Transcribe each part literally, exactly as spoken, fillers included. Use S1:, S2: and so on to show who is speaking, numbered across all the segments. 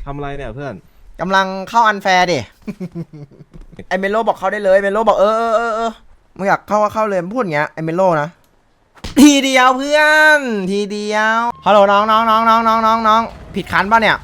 S1: ทำอะไรเนี่ยเพื่อน
S2: กำลังเข้าอันแฟร์ดิ ไอเมโลบอกเข้าได้เลยเมโลบอกเออเออเออเออมึงอยากเข้าก็เข้าเลยพูดอย่างเงี้ยไอเมโลนะทีเดียวเพื่อนทีเดียวฮัลโหลน้องน้องน้องน้องน้องน้องน้องผิดคันป่ะเนี่ย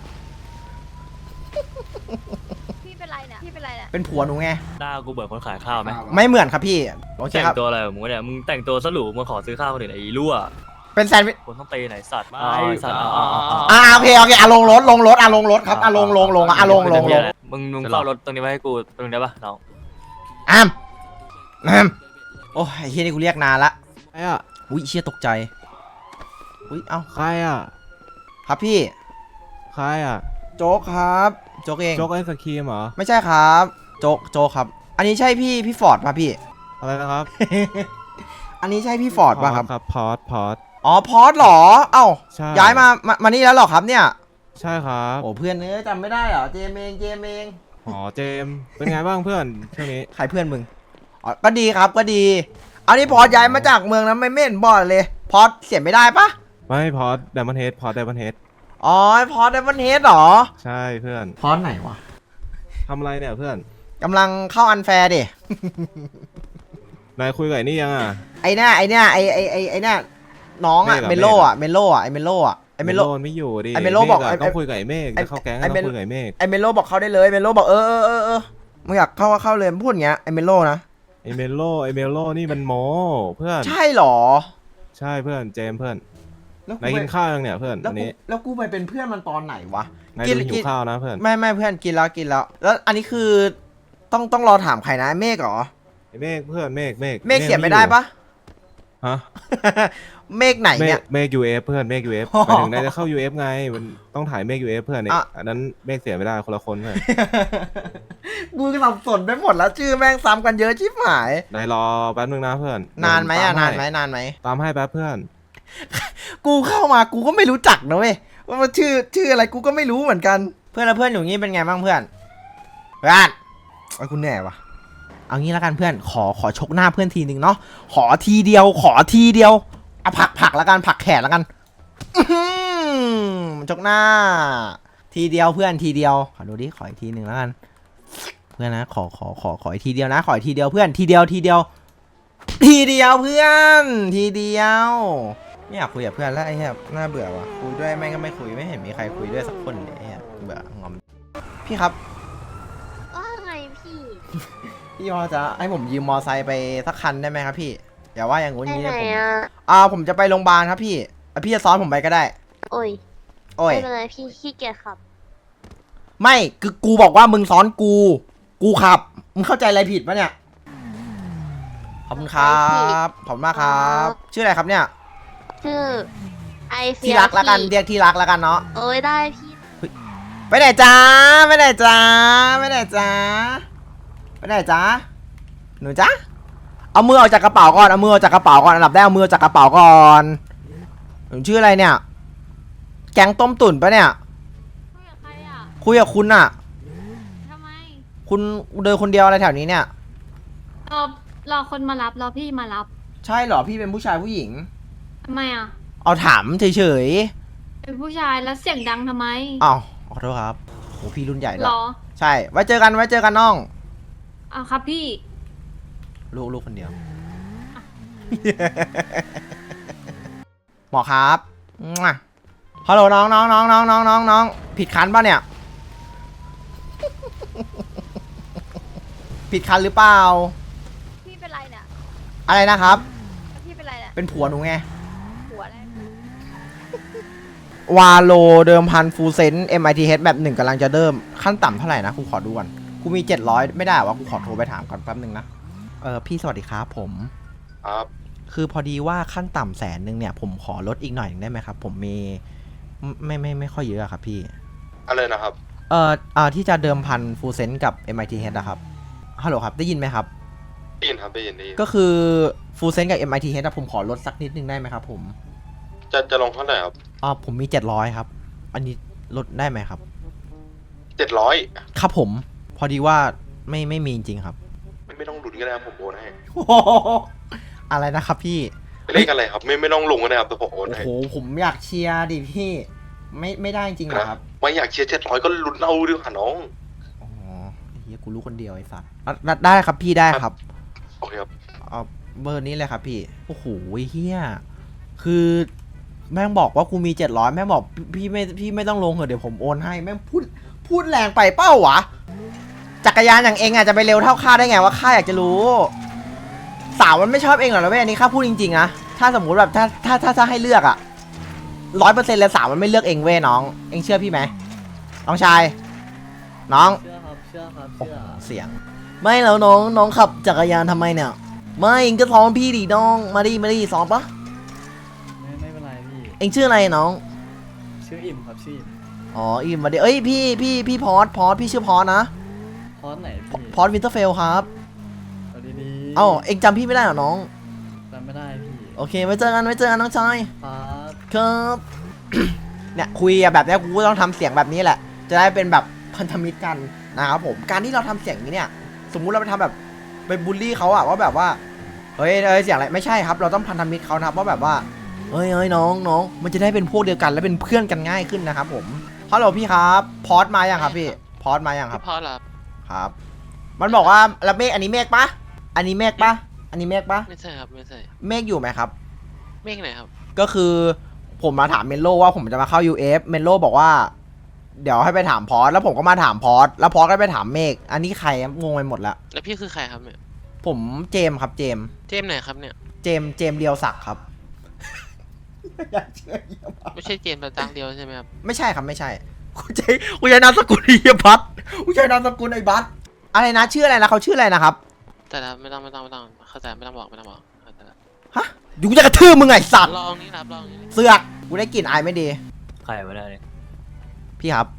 S3: พี่เป็นไรเนี่ยพี่เป็นไรเนี่ย
S2: เป็นผัวหนูไง
S4: หน้ากูเบิกคนขายข้าวไหม
S2: ไม่เหมือนครับพี่โอเคครับ
S4: แต่งตัวอะไรของมึงเนี่ยมึงแต่งตัวสรุปมึงขอซื้อข้าวคนอื่นไอ้รั่ว
S2: เป็นแซนด์วิช
S4: คนต้องเตะไหนสัตว์อ๋อสัตว์อ๋อ
S2: อ่าโอเคโอเคอ่ะลงรถลงรถอ่ะลงรถครับอ่ะลงลงลงอ่ะลงลงลง
S4: มึงมึงเฝ้ารถตรงนี้ไว้ให้กูตรงนี้ได้ปะน้อง
S2: อ้ามอ้ามโอ้ยไอ้เฮียนี่กูเรียกนานละ
S1: ใครอ่ะ
S2: อุ้ยเชี่ยตกใจอุ้ยเอ้า
S1: ใครอ่ะ
S2: ครับพี่
S1: ใครอ่ะ
S2: โจ๊กครับโจ๊กเอง
S1: โจ๊กไอศครีมเหรอ
S2: ไม่ใช่ครับโจ๊กโจ๊กครับอันนี้ใช่พี่พี่ฟอร์ดป่ะพี่
S1: อะไรนะครับ
S2: อันนี้ใช่พี่ฟอร์ดป่ะครับ
S1: ครับพอดพอด
S2: อ๋อพอดหรอเอ้า
S1: ใช่
S2: ย้ายมามามานี่แล้วหรอครับเนี่ย
S1: ใช่ครับ
S2: โอ้เพื่อนเนื้อจำไม่ได้เหรอเจมเองเจมเอง
S1: อ๋อเจมเป็นไงบ้างเพื่อนช่วงนี้
S2: ใครเพื่อนมึงอ๋อก็ดีครับก็ดีอันนี้พอดย้ายมาจากเมืองนั้นไม่เม่นบอดเลยพอดเสียไม่ได้ปะ
S1: ไม่พอดไดมอนด์เฮดพอดไดมอนด์เฮด
S2: อ๋อพอดไดมอนด์เฮดหรอ
S1: ใช่เพื่อน
S2: พอดไหนวะ
S1: ทำอะไรเนี่ยเพื่อน
S2: กำลังเข้าอันแฟร์ดิ
S1: นายคุยกับไอ้นี่ยังอ่ะ
S2: ไอ้เนี่ยไอ้เนี่ยไอ้ไอ้ไอ้ไอ้เนี่ยน้องอะเมโลอะเมโลอะไอ้เมโลอะไอ้เมโล
S1: ไม่อยู่ดิ
S2: ไอ้เมโลบอก
S1: ต้องคุยกับไอ้เมฆจะเข้าแก๊งต้องคุยกับไอ้เมฆ
S2: ไอ้เมโลบอกเข้าได้เลยเมโลบอกเออเออเออเออมึงอยากเข้าก็เข้าเลยพูดอย่างเงี้ยไอ้เมโลนะ
S1: ไอ้เมโลไอ้เมโลนี่มันโมเพื่อน
S2: ใช่หรอ
S1: ใช่เพื่อนเจมเพื่อนนายกินข้าวยังเนี่ยเพื่อนอันนี้
S2: แล้วกูไปเป็นเพื่อนมันตอนไหนวะ
S1: นายดูหิวข้าวนะเพื่อน
S2: ไม่ไม่เพื่อนกินแล้วกินแล้วแล้วอันนี้คือต้องต้องรอถามใครนะเมฆเหรอ
S1: เมฆเพื่อนเมฆเมฆ
S2: เมฆเสียไม่ได้ปะ
S1: ฮะ
S2: เมฆไหนเนี่ย
S1: เมฆยูเอฟเพื่อนเมฆยูเอฟไปถึงนายจะเข้ายูเอฟไงมันต้องถ่ายเมฆยูเอฟเพื่อนเนี่ยอันนั้นเมฆเสียไม่ได้คนละคนเพื่อน
S2: กูสับสนไปหมดแล้วชื่อแม่งซ้ำกันเยอะชิบหาย
S1: นายรอแป๊บนึงนะเพื่อน
S2: นานไหมอ่ะนานไหมนานไหม
S1: ตามให้แป๊บเพื่อน
S2: กูเข้ามากูก็ไม่รู้จักนะเว้ยว่ามันชื่อชื่ออะไรกูก็ไม่รู้เหมือนกันเพื่อนแล้วเพื่อนอยู่งี้เป็นไงบ้างเพื่อนเพื่อนไอ้คุณเหนื่อยวะเอางี้แล้วกันเพื่อนขอขอชกหน้าเพื่อนทีหนึ่งเนาะขอทีเดียวขอทีเดียวเอาผักผักแล้วกันผักแขนแล้วกันชกหน้าทีเดียวเพื่อนทีเดียวขอดูดิขออีกทีหนึ่งแล้วกันเพื่อนนะขอขอขอขออีกทีเดียวนะขออีกทีเดียวเพื่อนทีเดียวทีเดียวทีเดียวเพื่อนทีเดียวไม่อยากคุยกับเพื่อนแล้วไอ้เหี้ยน่าเบื่อว่ะคุยด้วยแม่งก็ไม่คุยไม่เห็นมีใครคุยด้วยสักคนเลยไอ้เหี้ยเบื่องอมพี่ครับ
S3: ว่าไงพี่
S2: พี่พอจะให้ผมยืมมอไซค์ไปสักคันได้ไหมครับพี่อย่าว่าอย่างงู้นงี้เลยผม
S3: อ่
S2: าผมจะไปโรงพยาบาลครับพี่พี่จะซ้อนผมไปก็ได้
S3: โอ้ย
S2: โอ้ย
S3: ไม่เป็นไรพี่ขี้เกียจขับ
S2: ไม่คือกูบอกว่ามึงซ้อนกูกูขับมึงเข้าใจอะไรผิดปะเนี่ยขอบคุณครับขอบคุณมากครับชื่ออะไรครับเนี่ย
S3: ชื่อไอเฟีย
S2: ที่รักแล้วกันเรียกที่รักแล้วกันเนาะ
S3: โอ้ยได้พี่
S2: ไปไหนจ้าไปไหนจ้าไปไหนจ้าไปไหนจ้าหนูจ้าเอามือออกจากกระเป๋าก่อนเอามือออกจากกระเป๋าก่อนอันดับแรกเอามือออกจากกระเป๋าก่อนหนูชื่ออะไรเนี่ยแกงต้มตุ๋นปะเนี่ย
S3: คุยกับใครอ่ะ
S2: คุยกับคุณอะ
S3: ทำไม
S2: คุณเดินคนเดียวอะไรแถวนี้เนี่ย
S3: รอรอคนมารับรอพี่มารับ
S2: ใช่เหรอพี่เป็นผู้ชายผู้หญิง
S3: ทำไมอ่ะ
S2: เอาถามเฉย
S3: ๆเป็นผู้ชายแล้วเสียงดังทำไม
S2: อ้าวขอโทษครับโหพี่รุ่นใหญ่แล้ว
S3: หรอ
S2: ใช่ไว้เจอกันไว้เจอกันน้อง
S3: อ้าวครับพี่
S2: ลูกลูกคนเดียวหมอครับฮัลโหลน้องน้องน้องน้องน้องน้องน้องผิดคันป่ะเนี่ยผิดคันหรือเปล่า
S3: พี่เป็นไรเนี่ย
S2: อะไรนะครับ
S3: พี่เป็นไรเนี่ย
S2: เป็นผัวหนูไง
S3: ผัวอะไร
S2: วาโลเดิมพันฟูเซน เอ็ม ไอ ที เอช แบบหนึ่งกำลังจะเริ่มขั้นต่ำเท่าไหร่นะกูขอดูก่อนกูมีเจ็ดร้อยไม่ได้วะกูขอโทรไปถามก่อนแป๊บนึงนะเออพี่สวัสดีครับผม
S1: ครับ
S2: คือพอดีว่าขั้นต่ำแสนนึงเนี่ยผมขอลดอีกหน่อยได้ไหมครับผมมีไม่ไม่ไม่ค่อยเยอะครับพี่
S1: อะไรนะครับ
S2: เอ่ออ่าที่จะเดิมพันฟูเซนกับ เอ็ม ไอ ที เอช นะครับฮัลโหลครับได้ยินไหมครับ
S1: ได้ยินครับได้ยินได้ยิน
S2: ก็คือฟูเซนกับ เอ็ม ไอ ที เอช ผมขอลดสักนิดนึงได้ไหมครับผม
S1: จะจะลงเท่าไหร่ครับ
S2: อ่าผมมีเจ็ดร้อยครับอันนี้ลดได้ไหมครับ
S1: เจ็ดร้อย
S2: ครับผมพอดีว่าไม่ไม่มีจริงครับ
S1: ไม่ไม่ต้องหลุดก็ได้ครับผมโอนให้
S2: อะไรนะครับพี่
S1: เลขอะไรครับไม่ไม่ต้องลงก็ได้ครับแต่ผมโอนให้
S2: โอ้โหผมอยากเชียร์ดิพี่ไม่ไม่ได้จริงเหรอครับ
S5: ไม่อยากเชียร์เจ็ดร้อยก็ลุ้นเอาดีกว่าน้อง
S2: อ๋อเฮียกูรู้คนเดียวไอ้สัสอ่ะได้ครับพี่ได้ครับ
S5: โอเคครับ
S2: เอาเบอร์นี้เลยครับพี่โอ้โหเฮียคือแม่งบอกว่ากูมีเจ็ดร้อยแม่งบอกพี่ไม่พี่ไม่ต้องลงเหอะเดี๋ยวผมโอนให้แม่งพูดพูดแรงไปเป้าวะจักรยานอย่างเองอาจจะไปเร็วเท่าข้าได้ไงว่าข้าอยากจะรู้สาวมันไม่ชอบเองหรอกนะเว้ยอันนี้ข้าพูดจริงๆนะถ้าสมมุติแบบถ้าถ้าถ้าถ้าให้เลือกอะร้อยเปอร์เซ็นต์เลยสาวมันไม่เลือกเองเว้ยน้องเองเชื่อพี่ไหมน้องชายน้อง
S6: เชื่อครับเชื่อครับ
S2: โอ้
S6: เชื่
S2: โห
S6: อ
S2: เสียงไม่แล้วน้องน้องขับจักรยานทำไมเนี่ยไม่เองก็ซ้อมพี่ดิน้องมาดิมาดิซ้อมปะ
S6: ไม่ไม่เป็นไรพี่
S2: เองชื่ออะไรน้อง
S6: ชื่ออิ่มครับชื่ออิ่ม
S2: อ๋ออิมมาดิเอ้ยพี่พี่พี่พอสพอสพี่ชื่อพอสนะ
S6: พอสไหนพี่
S2: พอสวินเตอร์เฟลครับ
S6: เอาดีๆ
S2: เอ้าเองจำพี่ไม่ได้เหรอน้อง
S6: จำไม่ได้พี่
S2: โอเคไว้เจอกันไว้เจอกันน้องชาย
S6: ครับ
S2: ครับ เนี่ยคุยอะแบบเนี้ยกูก็ต้องทำเสียงแบบนี้แหละ จะได้เป็นแบบพันธมิตรกันนะครับผมการที่เราทำเสียงอย่างนี้เนี่ยสมมุติเราไปทำแบบไปบูลลี่เขาอะว่าแบบว่าเฮ้ยเฮ้ยเสียงอะไรไม่ใช่ครับ เราต้องพันธมิตรเขานะครับว่าแบบว่าเฮ้ยเฮ้ยน้องน้องมันจะได้เป็นพวกเดียวกันและเป็นเพื่อนกันง่ายขึ้นนะครับผมฮัลโหลพี่ครับพอดมายังครับพี่พอดมายังครับ
S7: พอแล้ว
S2: ครับ มันบอกว่าแล้วเมฆอันนี้เมฆปะอันนี้เมฆปะอันนี้เมฆปะ
S7: ไม่ใช่ครับไม่ใช่
S2: เมฆอยู่ไหมครับ
S7: เมฆไหนครับ
S2: ก็คือผมมาถามเมนโลว่าผมจะมาเข้า ยู เอฟ เมนโลบอกว่า เดี๋ยวให้ไปถามพอสแล้วผมก็มาถามพอสแล้วพอสก็ไปถามเมฆอันนี้ใครงงไปหมดแล้ว
S7: แล้วพี่คือใครครับเนี่ย
S2: ผมเจมส์ครับเจมส์
S7: เจมส์ไหนครับเนี่ย
S2: เจมส์เจมส์เรียวศักดิ์ครับ
S7: ไม่ใช่เจมส์แต่ตังเดียวใช่ไหมครับ
S2: ไม่ใช่ครับไม่ใช่กูใช้กูใช้นามสกุลไอ้บัสกูใช้นามสกุลไอ้บัสอะไรนะชื่ออะไรนะเขาชื่ออะไรนะครับ
S7: แต่ละไม่ต้องไม่ต้องไม่ต้องเข้าใจไม่ต้องบอกไม่ต้องบอกเข้าใจละ
S2: ฮะอยู่กูจะกระทืบมึงไงสัตว์
S7: ลองนี่ครับลองนี่
S2: เสือกกูได้กลิ่นอายไม่ดี
S4: ใครมาได้เนี่ย
S2: พี่ครับ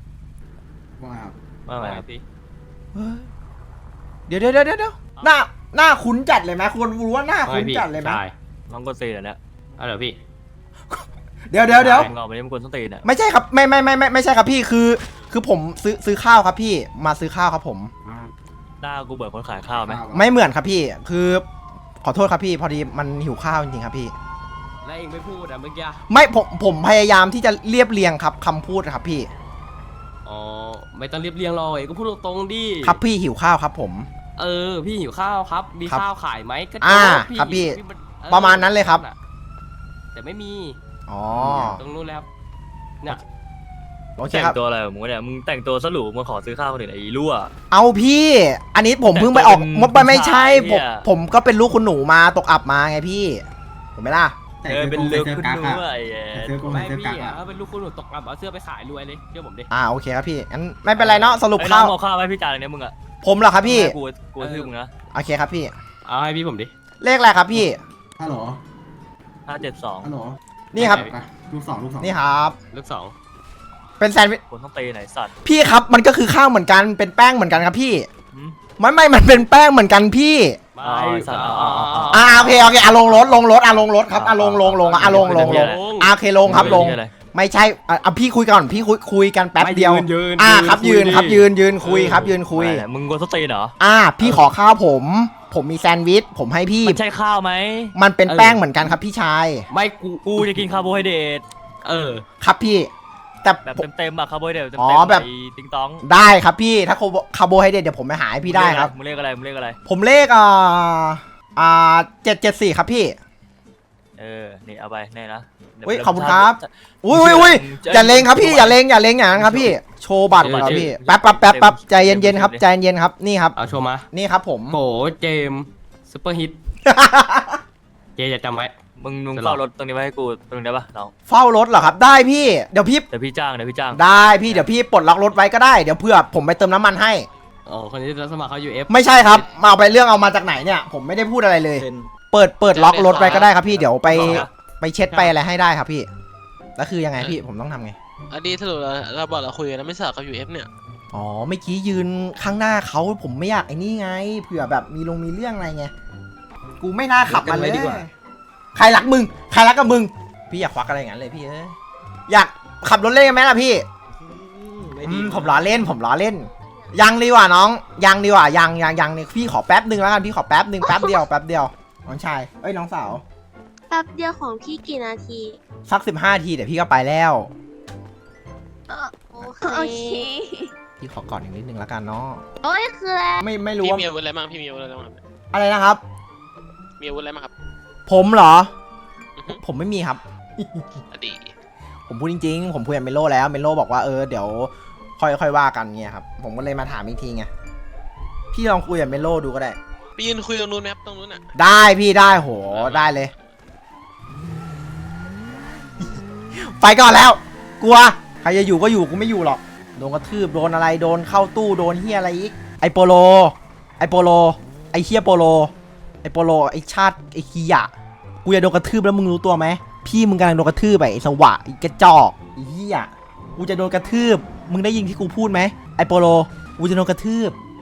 S4: ว่าไงครับพี่
S2: เฮ้ยเดี๋ยวเดี๋ยวเดี๋ยวเดี๋ยวหน้าหน้าคุ้นจัดเลยไหมคนรู้ว่าหน้าคุ้นจัดเลยไหม
S4: น้องกดซีนเหรอเนี่ย
S8: เอาเดี๋ยวพี่
S2: เดี๋ยวเดี๋ยวเดี๋ยว
S4: มึงเอาไปนี่มึงกดส้นตีนอ่ะ
S2: ไม่ใช่ครับไม่ไม่ไม่ไม่ไม่ใช่ครับพี่คือ คือผมซื้อซื้อข้าวครับพี่มาซื้อข้าวครับผม
S4: หน้ากูเบิดคนขายข้าวไหม
S2: ไม่เหมือนครับพี่ คือขอโทษครับพี่พอดีมันหิวข้าวจริงๆครับพี่
S8: แล้วเองไม่พูดอ่ะเมื่อกี้
S2: ไม่ผมผมพยายามที่จะเรียบเรียงครับคำพูดครับพี่
S8: อ๋อไม่ต้องเรียบเรียงหรอกเองก็พูดตรงๆดิ
S2: ครับพี่หิวข้าวครับผม
S8: เออพี่หิวข้าวครับมี
S2: ครับ
S8: ข้าวขายไหมก็
S2: อ่า
S8: โจ๊ก
S2: ครับพี่
S8: มันเออ
S2: ประมาณนั้นเลยครับ
S8: แต่ไม่มี
S2: อ๋อ
S8: ตรงนู้นแล้วเนี่ย
S2: โอเค
S4: แต่ง
S2: ครับ
S4: ตัวอะไรของมึงวะเนี่ยมึงแต่งตัวสรุปมาขอซื้อข้าวคนอื่นไอ้รั่ว
S2: เอาพี่ อันนี้ผมเพิ่งไปออก
S4: แต่งตัวเป็น
S2: มดไปไม่ใช่
S4: ผู้
S2: ผม
S4: ชายเนี่ย
S2: ผมก็เป็นลูกคุณหนูมาตกอับมาไงพี่ถูกไหมล่ะ
S4: เออเป็นเลือกคุณด้วยไอ้
S8: ไม่พี่อ่ะถ้าเป็นลูกคุณหนูตกอับเอาเสื้อไปขายรวยเลยเชื่อผมดิ
S2: อ่าโอเคครับพี่งั้นไม่เป็นไรเนาะสรุป
S4: ไอ้น้
S2: ข้า
S4: อง
S2: ว
S4: เอาข้าวให้พี่จานเนี่ยมึงอ่ะ
S2: ผมเหรอครับพี่
S4: กูกูทื่อมึงนะ
S2: โอเคครับพี่
S8: เอาให้พี่ผมดิ
S2: เลขอะไรครับพี่
S9: ฮัลโหล
S4: ห้าเจ็ดสอง
S9: ฮัลโหล
S2: นี่ครับ
S9: ไปลูกสองลูกสอง
S2: นี่ครับ
S8: ลูกสอง
S2: เป็นแซนด์วิช
S4: คนต้องตีไหนสัตว์
S2: พี่ครับมันก็คือข้าวเหมือนกันเป็นแป้งเหมือนกันครับพี่
S4: หืม
S2: ไม่ไม่มันเป็นแป้งเหมือนกันพี่
S8: ไม่
S4: อ๋อไอ้สัตว์อ๋ออ๋ออ๋อ
S2: อ่าโอเคโอเคอ่ะลงรถลงรถอ่ะลงรถครับอ่ะลงลงลงอ่ะลงลงลงอ่ะโอเคลงครับลง
S4: ชื่ออะไร
S2: ไม่ใช่อ่ะอ่ะพี่คุยก่อนพี่คุยคุยกันแป๊บ
S8: ไม่
S2: เดียว
S8: ยืนยืน
S2: อ่าครับยืน
S8: ดิ
S2: ครับยืนยืนคุยครับยืนคุย
S4: อะไรเนี่ยมึงกดส้นตีนเหรอ
S2: อ่าพี่ขอข้าวผม ผมมีแซนด์วิชผมให้พี่
S4: มันใช่ข้าวไหม
S2: มันเป็นแป้งเหมือนกันครับพี่ชาย
S8: ไม่กู
S4: กูจะกินคาร์โบไฮเดรต
S8: เออ
S2: ครับพี่ แต่
S4: แบบ
S2: ผม
S4: เต็มๆอะคาร์โบไฮเดรตเต็ม
S2: อ๋
S4: ๆ
S2: อแบบ
S4: ไอ้ติงตอง
S2: ได้ครับพี่ถ้าคาร์โบไฮเดรตเดี๋ยวผมไปหาให้พี่ได้ครับ
S4: มึงเรียกอะไรมึงเรียกอะไร
S2: ผมเลขอ่าอ่าเจ็ดเจ็ดสี่ครับพี่
S4: เออนี่เอาไปแน่นะดี๋ว
S2: เฮ้ย
S4: ดี๋ว
S2: ขอบคุณครับ
S4: จะ
S2: อุ้ยอุ้ยอุ้ย
S4: จะ
S2: อย่าเลงครับพี่อย่าเลงอย่าเลงอย่างนั้นครับพี่โชว์บัตรก่อนครับพี่แป๊บแป๊บแป๊บแป๊บใจเย็นๆครับใจเย็นๆครับนี่ครับ
S8: เอาโชว์มา
S2: นี่ครับผม
S8: โกเจมซุปเปอร์ฮิตเจจะจำไว้
S4: มึงมึง
S8: จะหรอ
S4: เฝ้ารถตรงนี้ไว้ให้กูตรงนี้ได้ปะน้อง
S2: เฝ้ารถเหรอครับได้พี่เดี๋ยวพี่
S4: เดี๋ยวพี่จ้างเดี๋ยวพี่จ้าง
S2: ได้พี่เดี๋ยวพี่ปลดล็อกรถไว้ก็ได้เดี๋ยวเพื่อผมไปเติมน้ำมันให้
S8: อ๋อคนนี้จะสมัครเขา ยู เอฟ
S2: ไม่ใช่ครับมาเอาไปเรื่องเอามาจากไหนเนี่ย ผมไม่ได้พูดอะไรเลย เปิดเปิดล็อกรถไว้ก็ได้ครับพี่เดี๋ยวไปไปเช็ดไปอะไรให้ได้ครับพี่แล้วคือยังไงพี่ผมต้องทำไง
S7: อันนี้สรุปเราเราบอกเราคุยกันแล้วไม่สลับกับ ยู เอฟ เนี่ย
S2: อ๋อเมื่อกี้ยืนข้างหน้าเขาผมไม่อยากไอ้นี่ไงเผื่อแบบมีลงมีเรื่องอะไรไงกูไม่น่าขับมันเลยใครรักมึงใครรักกับมึงพี่อยากควักอะไรอย่างนั้นเลยพี่เอ้ยอยากขับรถเล่นกันไหมล่ะพี่อืมผมล้อเล่นผมล้อเล่น ยังดีกว่าน้องยังดีกว่ายังยังยังนี่พี่ขอแป๊บหนึ่งแล้วกันพี่ขอแป๊บหนึ่งแป๊บเดียวแป๊บเดียวน้องชายเอ้ยน้องสาว
S10: แป๊บเดียวของพี่กี่นาที
S2: สักสิบห้าทีเดี๋ยวพี่ก็ไปแล้ว
S10: เออโอ้
S9: โอเค
S2: พี่ขอกอดอีกนิดนึงแล้วกันเนาะ
S9: โอ้ยคืออะไร
S2: ไม่ไม่รู้
S7: พี่
S2: ว่า
S7: มีอาวุธอะไรบ้างพี่มีอาวุธอะไรบ้างครับ
S2: อะไรนะครับ
S7: มีอาวุธอะไรบ้างครับ
S2: ผมเหรอ
S7: อือฮึ
S2: ผมไม่มีครับ
S7: อดี
S2: ผมพูดจริงๆ ผมคุยกับเมโลแล้วเมโลบอกว่าเออเดี๋ยวค่อยค่อยว่ากันเงี้ยครับ ผมก็เลยมาถามอีกทีไง พี่ลองคุยกับเมโลดูก็ได้
S7: ไปยืนคุยตรงนู้นไหมครับตรงนู้นอ่ะ
S2: ได้พี่ได้โหได้เลย ไปก่อนแล้ว กลัว ใครจะอยู่ก็อยู่กูไม่อยู่หรอก โดนกระทืบโดนอะไรโดนเข้าตู้โดนเฮียอะไรอีก ไอโปโล ไอโปโล ไอเฮียโปโล ไอโปโลไอชาติไอคียะกูจะโดนกระทืบแล้วมึงรู้ตัวไหมพี่มึงกำลังโดนกระทืบไปไอสวะไอกระจอกไอเฮียกูจะโดนกระทืบมึงได้ยินที่กูพูดไหมไอโปโลกูจะโดนกระทืบ